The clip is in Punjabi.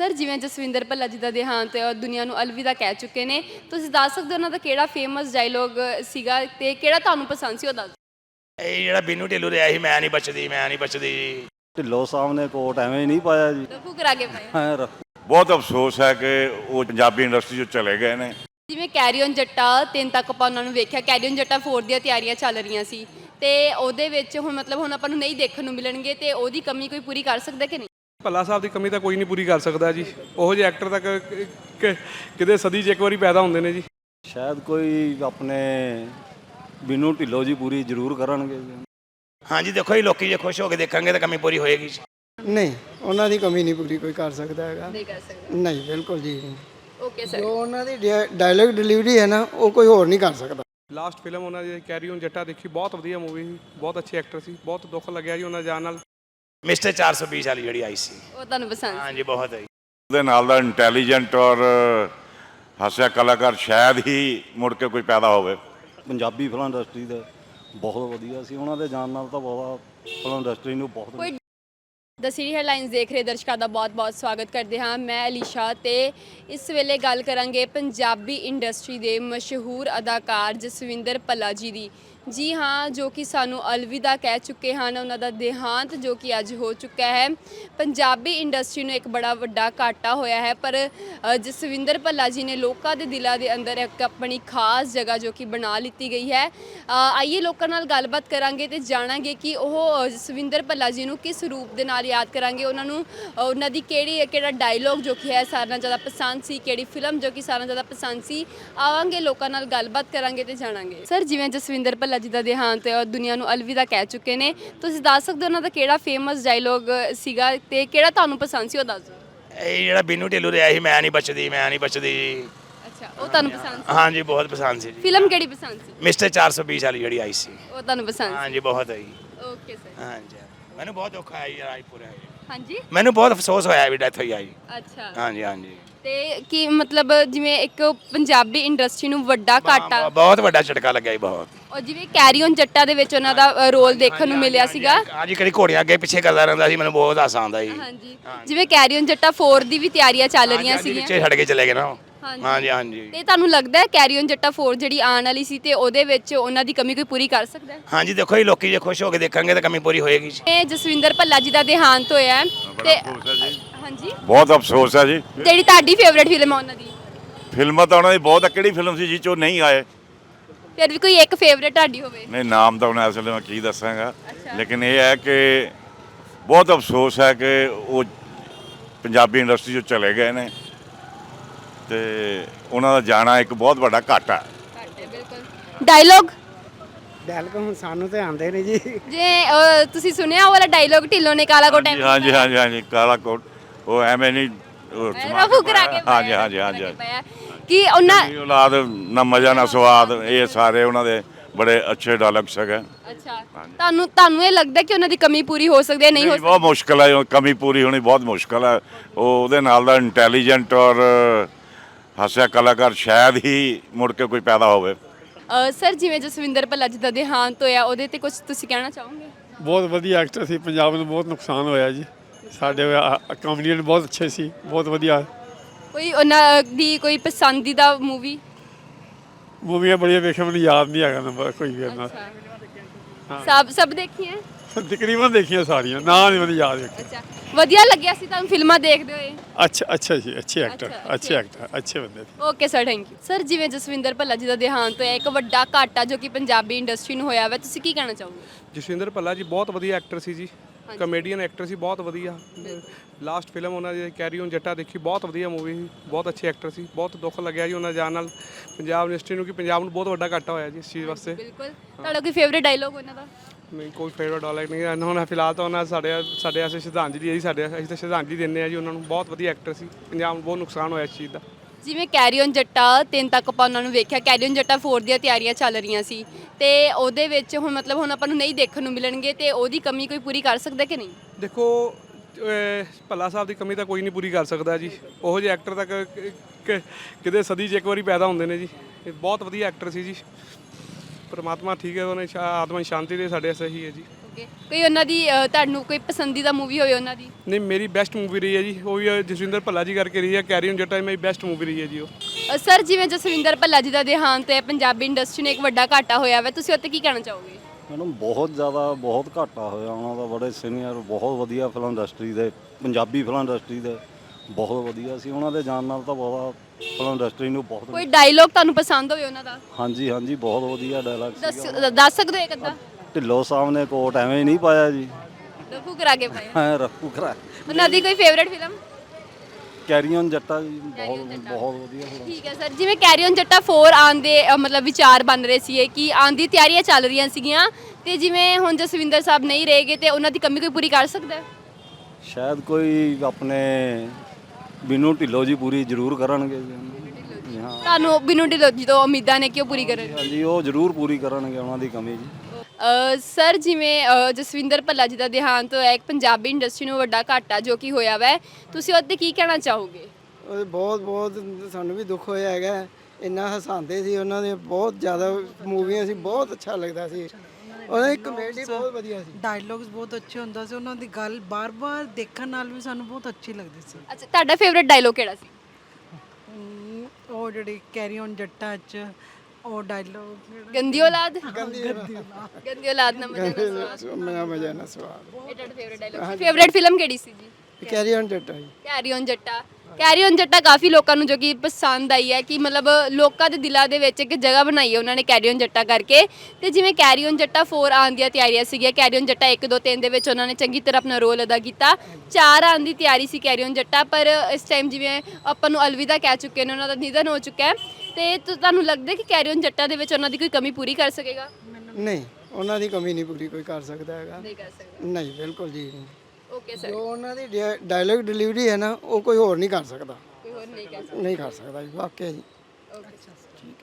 ਸਰ ਜਿਵੇਂ ਜਸਵਿੰਦਰ ਭੱਲਾ ਜੀ ਦਾ ਦੇਹਾਂਤ ਹੈ ਔਰ ਦੁਨੀਆ ਨੂੰ ਅਲਵਿਦਾ ਕਹਿ ਚੁੱਕੇ ਨੇ, ਤੁਸੀਂ ਦੱਸ ਸਕਦੇ ਹੋ ਉਹਨਾਂ ਦਾ ਕਿਹੜਾ ਫੇਮਸ ਡਾਇਲੋਗ ਸੀਗਾ ਤੇ ਕਿਹੜਾ ਤੁਹਾਨੂੰ ਪਸੰਦ ਸੀ ਉਹ ਦੱਸ ਦਿਓ। ਇਹ ਜਿਹੜਾ ਬਿੰਨੂ ਢਿੱਲੋਂ ਰਿਹਾ ਸੀ, ਮੈਂ ਨਹੀਂ ਬਚਦੀ ਮੈਂ ਨਹੀਂ ਬਚਦੀ। ਢਿੱਲੋਂ ਸਾਹਿਬ ਨੇ ਕੋਟ ਐਵੇਂ ਹੀ ਨਹੀਂ ਪਾਇਆ ਜੀ। ਰਫੂ ਕਰਾ ਕੇ ਪਾਏ। ਬਹੁਤ ਅਫਸੋਸ ਹੈ ਕਿ ਉਹ ਪੰਜਾਬੀ ਇੰਡਸਟਰੀ 'ਚੋਂ ਚਲੇ ਗਏ ਨੇ। ਜਿਵੇਂ ਕੈਰੀ ਔਨ ਜੱਟਾ 3 ਤੱਕ ਆਪਾਂ ਉਹਨਾਂ ਨੂੰ ਵੇਖਿਆ, ਕੈਰੀ ਔਨ ਜੱਟਾ 4 ਦੀਆਂ ਤਿਆਰੀਆਂ ਚੱਲ ਰਹੀਆਂ ਸੀ ਤੇ ਉਹਦੇ ਵਿੱਚ ਹੁਣ ਆਪਾਂ ਨੂੰ ਨਹੀਂ ਦੇਖਣ ਨੂੰ ਮਿਲਣਗੇ ਤੇ ਉਹਦੀ ਕਮੀ ਕੋਈ ਪੂਰੀ ਕਰ ਸਕਦਾ ਕਿ ਨਹੀਂ? ਭੱਲਾ ਸਾਹਿਬ ਦੀ ਕਮੀ ਤਾਂ ਕੋਈ ਨਹੀਂ ਪੂਰੀ ਕਰ ਸਕਦਾ ਜੀ। ਉਹੋ ਜਿਹੇ ਐਕਟਰ ਤੱਕ ਕਿਤੇ ਸਦੀ 'ਚ ਇੱਕ ਵਾਰੀ ਪੈਦਾ ਹੁੰਦੇ ਨੇ ਜੀ। ਸ਼ਾਇਦ ਕੋਈ ਆਪਣੇ ਬਿੰਨੂ ਢਿੱਲੋਂ ਜੀ ਪੂਰੀ ਜ਼ਰੂਰ ਕਰਨਗੇ ਜੀ। ਹਾਂਜੀ ਦੇਖੋ ਜੀ, ਲੋਕੀ ਜੇ ਖੁਸ਼ ਹੋ ਕੇ ਦੇਖਣਗੇ ਤਾਂ ਕਮੀ ਪੂਰੀ ਹੋਏਗੀ। ਨਹੀਂ, ਉਹਨਾਂ ਦੀ ਕਮੀ ਨਹੀਂ ਪੂਰੀ ਕੋਈ ਕਰ ਸਕਦਾ ਹੈਗਾ। ਨਹੀਂ ਕਰ ਸਕਦਾ। ਨਹੀਂ, ਬਿਲਕੁਲ ਜੀ। Okay sir. ਜੋ ਉਹਨਾਂ ਦੀ ਡਾਇਲੌਗ ਡਿਲੀਵਰੀ ਹੈ ਨਾ, ਉਹ ਕੋਈ ਹੋਰ ਨਹੀਂ ਕਰ ਸਕਦਾ। ਲਾਸਟ ਫਿਲਮ ਉਹਨਾਂ ਦੀ ਕੈਰੀ ਔਨ ਜੱਟਾ ਦੇਖੀ, ਬਹੁਤ ਵਧੀਆ ਮੂਵੀ ਸੀ, ਬਹੁਤ ਅੱਛੇ ਐਕਟਰ ਸੀ, ਬਹੁਤ ਦੁੱਖ ਲੱਗਿਆ ਜੀ ਉਹਨਾਂ ਦੇ ਜਾਣ ਨਾਲ। ਮਿਸਟਰ 420 ਵਾਲੀ ਜਿਹੜੀ ਆਈ ਸੀ, ਉਹ ਤੁਹਾਨੂੰ ਪਸੰਦ ਸੀ? ਹਾਂਜੀ ਬਹੁਤ ਹੈ। ਉਹਦੇ ਨਾਲ ਦਾ ਇੰਟੈਲੀਜੈਂਟ ਔਰ ਹਾਸਿਆ ਕਲਾਕਾਰ ਸ਼ਾਇਦ ਹੀ ਮੁੜ ਕੇ ਕੋਈ ਪੈਦਾ ਹੋਵੇ। ਪੰਜਾਬੀ ਫਿਲਮ ਇੰਡਸਟਰੀ ਦਾ ਬਹੁਤ ਵਧੀਆ ਸੀ, ਉਹਨਾਂ ਦੇ ਜਾਣ ਨਾਲ ਤਾਂ ਬਹੁਤ ਫਿਲਮ ਇੰਡਸਟਰੀ ਨੂੰ ਬਹੁਤ ਕੋਈ ਦ ਸਿਟੀ ਹੈਡਲਾਈਨਸ ਦੇਖ ਰਹੇ ਦਰਸ਼ਕਾਂ ਦਾ ਬਹੁਤ-ਬਹੁਤ ਸਵਾਗਤ ਕਰਦੇ ਹਾਂ। ਮੈਂ ਅਲੀਸ਼ਾ ਤੇ ਇਸ ਵੇਲੇ ਗੱਲ ਕਰਾਂਗੇ ਪੰਜਾਬੀ ਇੰਡਸਟਰੀ ਦੇ ਮਸ਼ਹੂਰ ਅਦਾਕਾਰ ਜਸਵਿੰਦਰ ਭੱਲਾ ਜੀ ਦੀ। ਜੀ ਹਾਂ, ਜੋ ਕਿ ਸਾਨੂੰ ਅਲਵਿਦਾ ਕਹਿ ਚੁੱਕੇ ਹਨ। ਉਹਨਾਂ ਦਾ ਦੇਹਾਂਤ ਜੋ ਕਿ ਅੱਜ ਹੋ ਚੁੱਕਾ ਹੈ। ਪੰਜਾਬੀ ਇੰਡਸਟਰੀ ਨੂੰ ਇੱਕ ਬੜਾ ਵੱਡਾ ਘਾਟਾ ਹੋਇਆ ਹੈ, ਪਰ ਜਸਵਿੰਦਰ ਭੱਲਾ ਜੀ ਨੇ ਲੋਕਾਂ ਦੇ ਦਿਲਾਂ ਦੇ ਅੰਦਰ ਇੱਕ ਆਪਣੀ ਖਾਸ ਜਗ੍ਹਾ ਜੋ ਕਿ ਬਣਾ ਲਿੱਤੀ ਗਈ ਹੈ। ਆਈਏ ਲੋਕਾਂ ਨਾਲ ਗੱਲਬਾਤ ਕਰਾਂਗੇ ਤੇ ਜਾਣਾਂਗੇ ਕਿ ਉਹ ਜਸਵਿੰਦਰ ਭੱਲਾ ਜੀ ਨੂੰ ਕਿਸ ਰੂਪ ਦੇ ਨਾਲ ਯਾਦ ਕਰਾਂਗੇ, ਉਹਨਾਂ ਨੂੰ ਉਹਨਾਂ ਦੀ ਕਿਹੜਾ ਡਾਇਲੋਗ ਜੋ ਕਿ ਹੈ ਸਾਰਿਆਂ ਨਾਲੋਂ ਜ਼ਿਆਦਾ ਪਸੰਦ ਸੀ, ਕਿਹੜੀ ਫਿਲਮ ਜੋ ਕਿ ਸਾਰਿਆਂ ਨਾਲੋਂ ਜ਼ਿਆਦਾ ਪਸੰਦ ਸੀ। ਆਵਾਂਗੇ ਲੋਕਾਂ ਨਾਲ ਗੱਲਬਾਤ ਕਰਾਂਗੇ ਤੇ ਜਾਣਾਂਗੇ। ਸਰ ਜਿਵੇਂ ਜਸਵਿੰਦਰ ਭੱਲਾ ਜੀ ਦਾ ਦੇਹਾਂਤ ਹੈ ਔਰ ਦੁਨੀਆ ਨੂੰ ਅਲਵਿਦਾ ਕਹਿ ਚੁੱਕੇ ਨੇ, ਤੁਸੀਂ ਦੱਸ ਸਕਦੇ ਹੋ ਉਹਨਾਂ ਦਾ ਕਿਹੜਾ ਫੇਮਸ ਡਾਇਲੋਗ ਸੀਗਾ ਤੇ ਕਿਹੜਾ ਤੁਹਾਨੂੰ ਪਸੰਦ ਸੀ ਉਹ ਦੱਸ ਦਿਓ। ਇਹ ਜਿਹੜਾ ਬਿੰਨੂ ਢਿੱਲੋਂ ਰਿਹਾ ਸੀ, ਮੈਂ ਨਹੀਂ ਬਚਦੀ ਮੈਂ ਨਹੀਂ ਬਚਦੀ। ਅੱਛਾ, ਉਹ ਤੁਹਾਨੂੰ ਪਸੰਦ ਸੀ? ਹਾਂਜੀ ਬਹੁਤ ਪਸੰਦ ਸੀ ਜੀ। ਫਿਲਮ ਕਿਹੜੀ ਪਸੰਦ ਸੀ? ਮਿਸਟਰ 420 ਵਾਲੀ ਜਿਹੜੀ ਆਈ ਸੀ, ਉਹ ਤੁਹਾਨੂੰ ਪਸੰਦ ਸੀ? ਹਾਂਜੀ ਬਹੁਤ ਹੈ ਜੀ। Okay sir. ਹਾਂਜੀ ਮੈਨੂੰ ਬਹੁਤ ਦੁੱਖ ਆਇਆ ਜੀ ਰਾਜਪੁਰ। ਹਾਂਜੀ, ਮੈਨੂੰ ਬਹੁਤ ਅਫਸੋਸ ਹੋਇਆ ਵੀ ਡੈਥ ਹੋਈ ਆ ਜੀ। ਅੱਛਾ। ਹਾਂਜੀ ਹਾਂਜੀ, ਤੇ ਕੀ ਮਤਲਬ ਜਿਵੇਂ ਇੱਕ ਪੰਜਾਬੀ ਇੰਡਸਟਰੀ ਨੂੰ ਵੱਡਾ ਘਾਟਾ, ਬਹੁਤ ਵੱਡਾ ਝਟਕਾ ਲੱਗਿਆ ਜੀ ਬਹੁਤ। ਔਰ ਜਿਵੇਂ ਕੈਰੀ ਔਨ ਜੱਟਾ ਦੇ ਵਿੱਚ ਉਹਨਾਂ ਦਾ ਰੋਲ ਦੇਖਣ ਨੂੰ ਮਿਲਿਆ ਸੀਗਾ। ਹਾਂਜੀ, ਕਦੀ ਘੋੜੀਆਂ ਅੱਗੇ ਪਿੱਛੇ ਕਰਦਾ ਰਹਿੰਦਾ ਸੀ, ਮੈਨੂੰ ਬਹੁਤ ਹਾਸਾ ਆਉਂਦਾ ਜੀ। ਹਾਂਜੀ, ਜਿਵੇਂ ਕੈਰੀ ਔਨ ਜੱਟਾ 4 ਦੀ ਵੀ ਤਿਆਰੀਆਂ ਚੱਲ ਰਹੀਆਂ ਪਿੱਛੇ ਸੀਗੀਆਂ। ਛੱਡ ਕੇ ਚਲੇ ਗਏ ਨਾ ਉਹ। ਹਾਂਜੀ। ਹਾਂਜੀ ਹਾਂਜੀ, ਤੇ ਤੁਹਾਨੂੰ ਲੱਗਦਾ ਹੈ ਕੈਰੀ ਔਨ ਜੱਟਾ 4 ਜਿਹੜੀ ਆਉਣ ਵਾਲੀ ਸੀ ਤੇ ਉਹਦੇ ਵਿੱਚ ਉਹਨਾਂ ਦੀ ਕਮੀ ਕੋਈ ਪੂਰੀ ਕਰ ਸਕਦਾ ਹੈ? ਹਾਂਜੀ ਦੇਖੋ ਜੀ, ਲੋਕੀ ਜੇ ਖੁਸ਼ ਹੋ ਕੇ ਦੇਖਣਗੇ ਤਾਂ ਕਮੀ ਪੂਰੀ ਹੋਏਗੀ। ਇਹ ਜਸਵਿੰਦਰ ਭੱਲਾ ਜੀ ਦਾ ਦੇਹਾਂਤ ਹੋਇਆ ਹੈ ਤੇ ਹਾਂਜੀ, ਬਹੁਤ ਅਫਸੋਸ ਹੈ ਜੀ। ਜਿਹੜੀ ਤੁਹਾਡੀ ਫੇਵਰੇਟ ਫਿਲਮ ਹੈ ਉਹਨਾਂ ਦੀ? ਫਿਲਮਾਂ ਤਾਂ ਉਹਨਾਂ ਦੀ ਬਹੁਤ ਆ, ਕਿਹੜੀ ਫਿਲਮ ਸੀ ਜਿਹ 'ਚੋਂ ਨਹੀਂ ਆਏ? ਫਿਰ ਵੀ ਕੋਈ ਇੱਕ ਫੇਵਰੇਟ ਤੁਹਾਡੀ ਹੋਵੇ? ਨਹੀਂ, ਨਾਮ ਤਾਂ ਉਹਨਾਂ ਅਸਲ ਮੈਂ ਕੀ ਦੱਸਾਂਗਾ, ਅੱਛਾ। ਲੇਕਿਨ ਇਹ ਹੈ ਕਿ ਬਹੁਤ ਅਫਸੋਸ ਹੈ ਕਿ ਉਹ ਪੰਜਾਬੀ ਇੰਡਸਟਰੀ 'ਚੋਂ ਚਲੇ ਗਏ ਨੇ ਤੇ ਉਹਨਾਂ ਦਾ ਜਾਣਾ ਇੱਕ ਬਹੁਤ ਵੱਡਾ ਘਾਟਾ ਹੈ। ਬਿਲਕੁਲ। ਡਾਇਲੋਗ ਹੁਣ ਸਾਨੂੰ ਤੇ ਆਉਂਦੇ ਨਹੀਂ ਜੀ। ਜੇ ਤੁਸੀਂ ਸੁਣਿਆ ਉਹ ਵਾਲਾ ਡਾਇਲੋਗ ਢਿੱਲੋਂ ਨੇ ਕਾਲਾ ਕੋਟ ਹਾਂਜੀ ਹਾਂਜੀ ਹਾਂਜੀ, ਕਾਲਾ ਕੋਟ ਉਹ ਐਵੇਂ ਨਹੀਂ ਰਫੂ ਕਰਾ ਕੇ ਹਾਂਜੀ ਹਾਂਜੀ ਹਾਂਜੀ ਕਿ ਉਹਨਾਂ ਮੇਰੀ ਔਲਾਦ ਨਾ ਮਜ਼ਾ ਨਾ ਸਵਾਦ, ਇਹ ਸਾਰੇ ਉਹਨਾਂ ਦੇ ਬੜੇ ਅੱਛੇ ਡਾਇਲੌਗ ਹੈਗੇ। ਅੱਛਾ, ਤੁਹਾਨੂੰ ਇਹ ਲੱਗਦਾ ਕਿ ਉਹਨਾਂ ਦੀ ਕਮੀ ਪੂਰੀ ਹੋ ਸਕਦੀ ਹੈ? ਨਹੀਂ ਹੋ ਬਹੁਤ ਮੁਸ਼ਕਲ ਹੈ, ਉਹ ਕਮੀ ਪੂਰੀ ਹੋਣੀ ਬਹੁਤ ਮੁਸ਼ਕਲ ਹੈ। ਉਹ ਉਹਦੇ ਨਾਲ ਦਾ ਇੰਟੈਲੀਜੈਂਟ ਔਰ ਹਾਸਿਆ ਕਲਾਕਾਰ ਸ਼ਾਇਦ ਹੀ ਮੁੜ ਕੇ ਕੋਈ ਪੈਦਾ ਹੋਵੇ। ਸਰ ਜਿਵੇਂ ਜਸਵਿੰਦਰ ਭੱਲਾ ਜੀ ਦਾ ਦੇਹਾਂਤ ਹੋਇਆ, ਉਹਦੇ ਤੇ ਕੁਝ ਤੁਸੀਂ ਕਹਿਣਾ ਚਾਹੋਗੇ? ਬਹੁਤ ਵਧੀਆ ਐਕਟਰ ਸੀ, ਪੰਜਾਬ ਨੂੰ ਬਹੁਤ ਨੁਕਸਾਨ ਹੋਇਆ ਜੀ। ਸਾਡੇ ਕਾਮੇਡੀਅਨ ਬਹੁਤ ਅੱਛੇ ਸੀ, ਬਹੁਤ ਵਧੀਆ। ਕੋਈ ਉਹਨਾਂ ਦੀ ਕੋਈ ਪਸੰਦੀਦਾ ਮੂਵੀ? ਮੂਵੀਆਂ ਬੜੀਆਂ ਵੇਖੀਆਂ, ਮੈਨੂੰ ਯਾਦ ਨਹੀਂ ਹੈਗਾ ਨੰਬਰ ਕੋਈ ਵੀ ਇਹਨਾਂ ਸਭ ਦੇਖੀ ਹੈ? ਤਕਰੀਬਨ ਦੇਖੀਆਂ ਸਾਰੀਆਂ, ਨਾਂ ਨਹੀਂ ਮੈਨੂੰ ਯਾਦ। ਅੱਛਾ, ਵਧੀਆ ਲੱਗਿਆ ਸੀ ਤੁਹਾਨੂੰ ਫਿਲਮਾਂ ਦੇਖਦੇ ਹੋਏ? ਅੱਛਾ ਜੀ, ਅੱਛੇ ਐਕਟਰ, ਅੱਛੇ ਬੰਦੇ। Okay sir, thank you. Sir ਜਿਵੇਂ ਜਸਵਿੰਦਰ ਭੱਲਾ ਜੀ ਦਾ ਦੇਹਾਂਤ ਹੋਇਆ, ਇੱਕ ਵੱਡਾ ਘਾਟਾ ਜੋ ਕਿ ਪੰਜਾਬੀ ਇੰਡਸਟਰੀ ਨੂੰ ਹੋਇਆ ਵਾ, ਤੁਸੀਂ ਕੀ ਕਹਿਣਾ ਚਾਹੋਗੇ? ਜਸਵਿੰਦਰ ਭੱਲਾ ਜੀ ਬਹੁਤ ਵਧੀਆ ਐਕਟਰ ਸੀ ਜੀ, ਕਮੇਡੀਅਨ ਐਕਟਰ ਸੀ, ਬਹੁਤ ਵਧੀਆ। ਲਾਸਟ ਫਿਲਮ ਉਹਨਾਂ ਦੀ ਕੈਰੀ ਔਨ ਜੱਟਾ ਦੇਖੀ, ਬਹੁਤ ਵਧੀਆ ਮੂਵੀ ਸੀ, ਬਹੁਤ ਅੱਛੇ ਐਕਟਰ ਸੀ, ਬਹੁਤ ਦੁੱਖ ਲੱਗਿਆ ਜੀ ਉਹਨਾਂ ਦੇ ਜਾਣ ਨਾਲ ਪੰਜਾਬ ਇੰਡਸਟਰੀ ਨੂੰ, ਕਿ ਪੰਜਾਬ ਨੂੰ ਬਹੁਤ ਵੱਡਾ ਘਾਟਾ ਹੋਇਆ ਜੀ ਇਸ ਚੀਜ਼ ਵਾਸਤੇ। ਬਿਲਕੁਲ। ਤੁਹਾਡਾ ਕੋਈ ਫੇਵਰੇਟ ਡਾਇਲੋਗ ਉਹਨਾਂ ਦਾ? ਨਹੀਂ, ਕੋਈ ਫੇਵਰਟ ਡਾਇਲੌਗ ਨਹੀਂ ਹੈ ਹੁਣ ਫਿਲਹਾਲ ਤਾਂ ਉਹਨਾਂ ਸਾਡੇ ਵਾਸਤੇ ਸ਼ਰਧਾਂਜਲੀ ਹੈ ਜੀ, ਅਸੀਂ ਤਾਂ ਸ਼ਰਧਾਂਜਲੀ ਦਿੰਦੇ ਹਾਂ ਜੀ ਉਹਨਾਂ ਨੂੰ। ਬਹੁਤ ਵਧੀਆ ਐਕਟਰ ਸੀ, ਪੰਜਾਬ ਨੂੰ ਬਹੁਤ ਨੁਕਸਾਨ ਹੋਇਆ ਇਸ ਚੀਜ਼ ਦਾ। ਜਿਵੇਂ ਕੈਰੀ ਔਨ ਜੱਟਾ 3 ਤੱਕ ਆਪਾਂ ਉਹਨਾਂ ਨੂੰ ਵੇਖਿਆ, ਕੈਰੀ ਔਨ ਜੱਟਾ 4 ਦੀਆਂ ਤਿਆਰੀਆਂ ਚੱਲ ਰਹੀਆਂ ਸੀ ਤੇ ਉਹਦੇ ਵਿੱਚ ਹੁਣ ਆਪਾਂ ਨੂੰ ਨਹੀਂ ਦੇਖਣ ਨੂੰ ਮਿਲਣਗੇ ਤੇ ਉਹਦੀ ਕਮੀ ਕੋਈ ਪੂਰੀ ਕਰ ਸਕਦਾ ਕਿ ਨਹੀਂ? ਦੇਖੋ, ਭੱਲਾ ਸਾਹਿਬ ਦੀ ਕਮੀ ਤਾਂ ਕੋਈ ਨਹੀਂ ਪੂਰੀ ਕਰ ਸਕਦਾ ਜੀ। ਉਹੋ ਜਿਹੇ ਐਕਟਰ ਤੱਕ ਕਿਤੇ ਸਦੀ 'ਚ ਇੱਕ ਵਾਰੀ ਪੈਦਾ ਹੁੰਦੇ ਨੇ ਜੀ। ਇਹ ਬਹੁਤ ਵਧੀਆ ਐਕਟਰ ਸੀ ਜੀ। ਪਰਮਾਤਮਾ ਠੀਕ ਹੈ, ਉਹਨੇ ਆਤਮਾ ਸ਼ਾਂਤੀ ਦੇ, ਸਾਡੇ ਸਹੀ ਹੈ ਜੀ। ਓਕੇ ਕੋਈ ਉਹਨਾਂ ਦੀ ਤੁਹਾਨੂੰ ਕੋਈ ਪਸੰਦੀਦਾ ਮੂਵੀ ਹੋਵੇ ਉਹਨਾਂ ਦੀ? ਨਹੀਂ, ਮੇਰੀ ਬੈਸਟ ਮੂਵੀ ਰਹੀ ਹੈ ਜੀ ਉਹ ਵੀ ਜਸਵਿੰਦਰ ਭੱਲਾ ਜੀ ਕਰਕੇ ਰਹੀ ਹੈ। ਕੈਰੀ ਔਨ ਜੱਟਾ ਮੇਰੀ ਬੈਸਟ ਮੂਵੀ ਰਹੀ ਹੈ ਜੀ ਉਹ। ਸਰ ਜਿਵੇਂ ਜਸਵਿੰਦਰ ਭੱਲਾ ਜੀ ਦਾ ਦੇਹਾਂਤ ਹੈ, ਪੰਜਾਬੀ ਇੰਡਸਟਰੀ ਨੇ ਇੱਕ ਵੱਡਾ ਘਾਟਾ ਹੋਇਆ ਵਾ, ਤੁਸੀਂ ਉੱਤੇ ਕੀ ਕਹਿਣਾ ਚਾਹੋਗੇ? ਮੈਡਮ ਬਹੁਤ ਜ਼ਿਆਦਾ ਬਹੁਤ ਘਾਟਾ ਹੋਇਆ ਉਹਨਾਂ ਦਾ। ਬੜੇ ਸੀਨੀਅਰ, ਬਹੁਤ ਵਧੀਆ ਫਿਲਮ ਇੰਡਸਟਰੀ ਦੇ, ਪੰਜਾਬੀ ਫਿਲਮ ਇੰਡਸਟਰੀ ਦੇ ਬਹੁਤ ਵਧੀਆ ਸੀ। ਉਹਨਾਂ ਦੇ ਜਾਣ ਨਾਲ ਤਾਂ ਬਹੁਤ ਫਿਲਮ ਇੰਡਸਟਰੀ ਨੂੰ ਬਹੁਤ ਕੋਈ ਡਾਇਲੋਗ ਤੁਹਾਨੂੰ ਪਸੰਦ ਹੋਵੇ ਉਹਨਾਂ ਦਾ? ਹਾਂਜੀ ਹਾਂਜੀ ਬਹੁਤ ਵਧੀਆ ਡਾਇਲੌਗ ਸੀ। ਦੱਸ ਸਕਦੇ ਹੋ ਇੱਕ ਅੱਧਾ? ਢਿੱਲੋਂ ਸਾਹਿਬ ਨੇ ਕੋਟ ਐਵੇਂ ਹੀ ਨਹੀਂ ਪਾਇਆ ਜੀ, ਰੱਖੂ ਕਰਾ ਕੇ ਪਾਇਆ। ਐ ਰੱਖੂ ਕਰਾ। ਉਹਨਾਂ ਦੀ ਕੋਈ ਫੇਵਰੇਟ ਫਿਲਮ? ਕੈਰੀ ਔਨ ਜੱਟਾ ਜੀ ਬਹੁਤ ਬਹੁਤ ਵਧੀਆ ਫਿਲਮ। ਠੀਕ ਹੈ ਸਰ, ਜਿਵੇਂ ਕੈਰੀ ਔਨ ਜੱਟਾ 4 ਆਉਣ ਦੇ ਮਤਲਬ ਵਿਚਾਰ ਬਣ ਰਹੇ ਸੀ ਕਿ ਆਉਣ ਦੀ ਤਿਆਰੀਆਂ ਚੱਲ ਰਹੀਆਂ ਸੀਗੀਆਂ, ਤੇ ਜਿਵੇਂ ਹੁਣ ਜਸਵਿੰਦਰ ਸਾਹਿਬ ਨਹੀਂ ਰਹੇਗੇ ਤੇ ਉਹਨਾਂ ਦੀ ਕਮੀ ਕੋਈ ਪੂਰੀ ਕਰ ਸਕਦਾ ਹੈ? ਸ਼ਾਇਦ ਕੋਈ ਆਪਣੇ ਬਿਨੂ ਢਿੱਲੋਂ ਜੀ ਪੂਰੀ ਜ਼ਰੂਰ ਕਰਨਗੇ ਜੀ। ਹਾਂ ਤੁਹਾਨੂੰ ਬਿਨੂ ਢਿੱਲੋਂ ਜੀ ਤੋਂ ਉਮੀਦਾਂ ਨੇ ਕਿ ਉਹ ਪੂਰੀ ਕਰਨਗੇ? ਹਾਂਜੀ ਉਹ ਜ਼ਰੂਰ ਪੂਰੀ ਕਰਨਗੇ ਉਹਨਾਂ ਦੀ ਕਮੀ ਜੀ। ਸਰ ਜਿਵੇਂ ਜਸਵਿੰਦਰ ਭੱਲਾ ਜੀ ਦਾ ਦੇਹਾਂਤ ਹੋਇਆ, ਇੱਕ ਪੰਜਾਬੀ ਇੰਡਸਟਰੀ ਨੂੰ ਵੱਡਾ ਘਾਟਾ ਜੋ ਕਿ ਹੋਇਆ ਵੈ, ਤੁਸੀਂ ਉਹਦੇ ਕੀ ਕਹਿਣਾ ਚਾਹੋਗੇ? ਉਹ ਬਹੁਤ ਬਹੁਤ ਸਾਨੂੰ ਵੀ ਦੁੱਖ ਹੋਇਆ ਹੈਗਾ। ਇੰਨਾ ਹਸਾਉਂਦੇ ਸੀ, ਉਹਨਾਂ ਦੇ ਬਹੁਤ ਜ਼ਿਆਦਾ ਮੂਵੀਆਂ ਸੀ, ਬਹੁਤ ਅੱਛਾ ਲੱਗਦਾ ਸੀ। ਉਹਨਾਂ ਦੀ ਕਮੇਡੀ ਬਹੁਤ ਵਧੀਆ ਸੀ, ਡਾਇਲੌਗਸ ਬਹੁਤ ਅੱਛੇ ਹੁੰਦਾ ਸੀ, ਉਹਨਾਂ ਦੀ ਗੱਲ ਬਾਰ-ਬਾਰ ਦੇਖਣ ਨਾਲ ਵੀ ਸਾਨੂੰ ਬਹੁਤ ਅੱਛੀ ਲੱਗਦੀ ਸੀ। ਅੱਛਾ, ਤੁਹਾਡਾ ਫੇਵਰਿਟ ਡਾਇਲੋਗ ਕਿਹੜਾ ਸੀ? ਉਹ ਜਿਹੜੀ ਕੈਰੀ ਔਨ ਜੱਟਾ 'ਚ ਉਹ ਡਾਇਲੌਗ ਗੰਦੀ ਔਲਾਦ? ਗੰਦੀ ਔਲਾਦ ਨਾ ਮਜ਼ਾ ਨਾ ਸਵਾਦ। ਮੇਰਾ ਮਜ਼ਾ ਨਾ ਸਵਾਦ। ਇਹ ਤੁਹਾਡਾ ਫੇਵਰਿਟ ਡਾਇਲੌਗ? ਫੇਵਰਿਟ ਫਿਲਮ ਕਿਹੜੀ ਸੀ ਜੀ? ਕੈਰੀ ਔਨ ਜੱਟਾ ਜੀ। ਕੈਰੀ ਔਨ ਜੱਟਾ। ਕੈਰੀ ਔਨ ਜੱਟਾ ਕਾਫੀ ਲੋਕਾਂ ਨੂੰ ਜੋ ਕਿ ਪਸੰਦ ਆਈ ਹੈ, ਕਿ ਮਤਲਬ ਲੋਕਾਂ ਦੇ ਦਿਲਾਂ ਦੇ ਵਿੱਚ ਇੱਕ ਜਗ੍ਹਾ ਬਣਾਈ ਹੈ ਉਹਨਾਂ ਨੇ ਕੈਰੀ ਔਨ ਜੱਟਾ ਕਰਕੇ। ਤੇ ਜਿਵੇਂ ਕੈਰੀ ਔਨ ਜੱਟਾ 4 ਆਉਣ ਦੀਆਂ ਤਿਆਰੀਆਂ ਸੀਗੀਆਂ, ਕੈਰੀ ਔਨ ਜੱਟਾ 1 2 3 ਦੇ ਵਿੱਚ ਉਹਨਾਂ ਨੇ ਚੰਗੀ ਤਰ੍ਹਾਂ ਆਪਣਾ ਰੋਲ ਅਦਾ ਕੀਤਾ। 4 ਆਉਣ ਦੀ ਤਿਆਰੀ ਸੀ ਕੈਰੀ ਔਨ ਜੱਟਾ, ਪਰ ਇਸ ਟਾਈਮ ਜਿਵੇਂ ਆਪਾਂ ਨੂੰ ਅਲਵਿਦਾ ਕਹਿ ਚੁੱਕੇ ਨੇ, ਉਹਨਾਂ ਦਾ ਨਿਧਨ ਹੋ ਚੁੱਕਾ ਹੈ, ਤੇ ਤੁਹਾਨੂੰ ਲੱਗਦਾ ਕਿ ਕੈਰੀ ਔਨ ਜੱਟਾ ਦੇ ਵਿੱਚ ਉਹਨਾਂ ਦੀ ਕੋਈ ਕਮੀ ਪੂਰੀ ਕਰ ਸਕੇਗਾ? ਨਹੀਂ, ਉਹਨਾਂ ਦੀ ਕਮੀ ਨਹੀਂ ਪੂਰੀ ਕੋਈ ਕਰ ਸਕਦਾ ਹੈਗਾ। ਨਹੀਂ ਕਰ ਸਕਦਾ। ਨਹੀਂ, ਬਿਲਕੁਲ ਜੀ ਨਹੀਂ। ਓਕੇ ਸਰ, ਜੋ ਉਹਨਾਂ ਦੀ ਡਾਇਲੌਗ ਡਿਲੀਵਰੀ ਹੈ ਨਾ, ਉਹ ਕੋਈ ਹੋਰ ਨਹੀਂ ਕਰ ਸਕਦਾ। ਕੋਈ ਹੋਰ ਨਹੀਂ ਕਰ ਸਕਦਾ। ਨਹੀਂ ਕਰ ਸਕਦਾ ਜੀ, ਵਾਕਿਆ ਜੀ। ਓਕੇ।